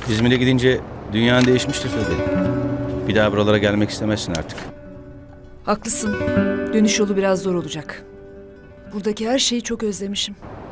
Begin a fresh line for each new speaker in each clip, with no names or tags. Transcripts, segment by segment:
İzmir'e gidince dünyan değişmiştir tabii. Bir daha buralara gelmek istemezsin artık.
Haklısın. Dönüş yolu biraz zor olacak. Buradaki her şeyi çok özlemişim.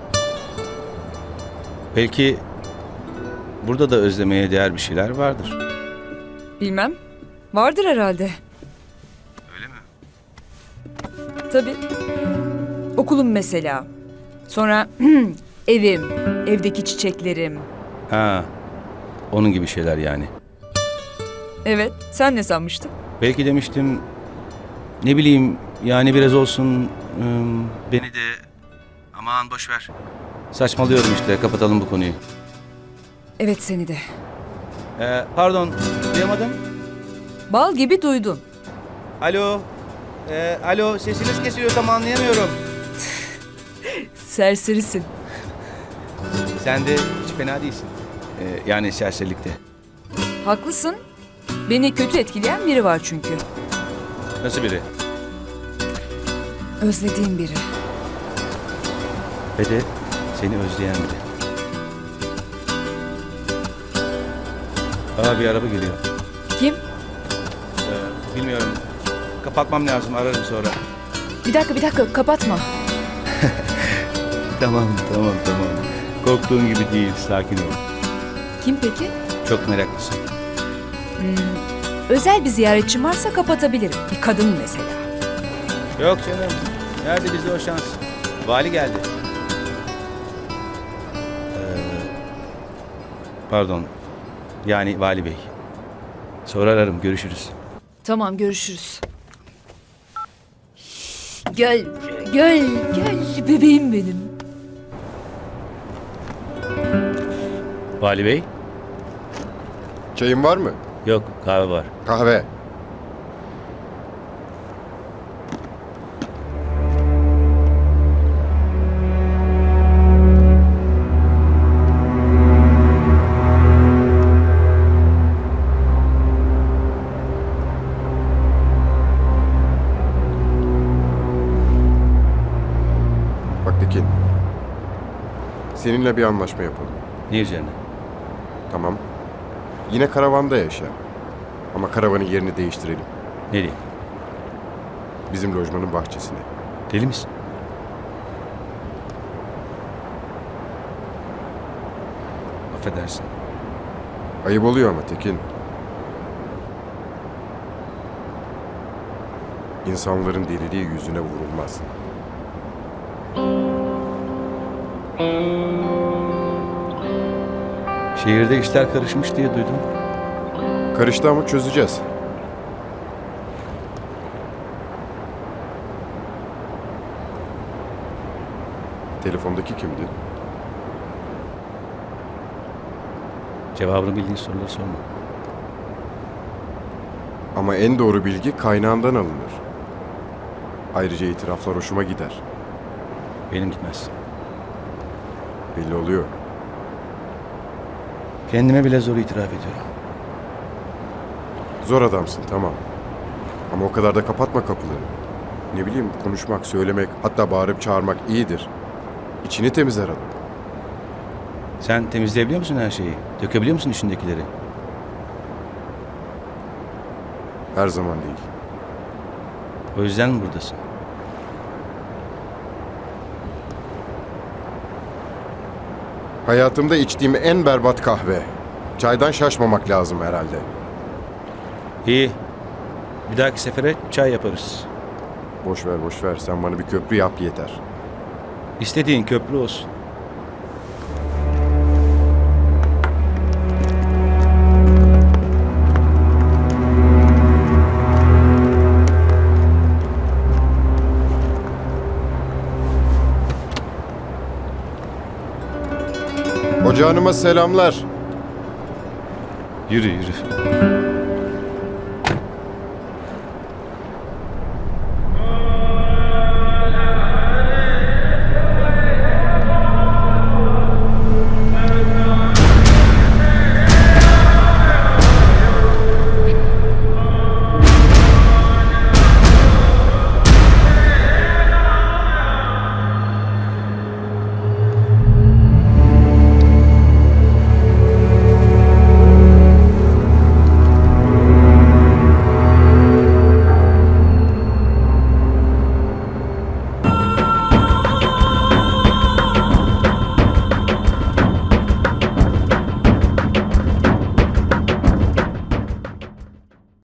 Belki burada da özlemeye değer bir şeyler vardır.
Bilmem. Vardır herhalde.
Öyle mi?
Tabii. Okulum mesela. Sonra evim, evdeki çiçeklerim.
Ha, onun gibi şeyler yani.
Evet, sen ne sanmıştın?
Belki demiştim, ne bileyim yani biraz olsun beni de aman boş ver. Saçmalıyorum işte, kapatalım bu konuyu.
Evet, seni de.
Pardon, duyamadım.
Bal gibi duydun.
Alo, alo sesiniz kesiliyor tam anlayamıyorum.
Serserisin.
Sen de hiç fena değilsin. Yani serserilikte.
Haklısın. Beni kötü etkileyen biri var çünkü.
Nasıl biri?
Özlediğim biri.
Ve de seni özleyen biri. Bir araba geliyor.
Kim?
Bilmiyorum. Kapatmam lazım, ararım sonra.
Bir dakika, kapatma.
Tamam. Korktuğun gibi değil, sakin ol.
Kim peki?
Çok meraklısın.
Özel bir ziyaretçim varsa kapatabilirim. Bir kadın mesela.
Yok canım. Nerede bizde o şans? Vali geldi. Pardon. Yani Vali Bey. Sonra ararım, görüşürüz.
Tamam, görüşürüz. Gel bebeğim benim.
Vali Bey?
Çayın var mı?
Yok, kahve var.
Kahve. Bak Tekin. Seninle bir anlaşma yapalım.
Ne üzerine?
Tamam. Yine karavanda yaşa. Ama karavanın yerini değiştirelim.
Nereye?
Bizim lojmanın bahçesine.
Deli misin? Affedersin.
Ayıp oluyor ama Tekin. İnsanların deliliği yüzüne vurulmaz.
Şehirde işler karışmış diye duydum.
Karıştı ama çözeceğiz. Telefondaki kimdi?
Cevabını bildiğin soruları sorma.
Ama en doğru bilgi kaynağından alınır. Ayrıca itiraflar hoşuma gider.
Benim gitmez.
Belli oluyor.
Kendime bile zor itiraf ediyorum.
Zor adamsın, tamam. Ama o kadar da kapatma kapıları. Ne bileyim, konuşmak, söylemek, hatta bağırıp çağırmak iyidir. İçini temizler adam.
Sen temizleyebiliyor musun her şeyi? Dökebiliyor musun içindekileri?
Her zaman değil.
O yüzden mi buradasın?
Hayatımda içtiğim en berbat kahve. Çaydan şaşmamak lazım herhalde.
İyi. Bir dahaki sefere çay yaparız.
Boş ver, boş ver. Sen bana bir köprü yap yeter.
İstediğin köprü olsun.
Hoca hanıma selamlar.
Yürü.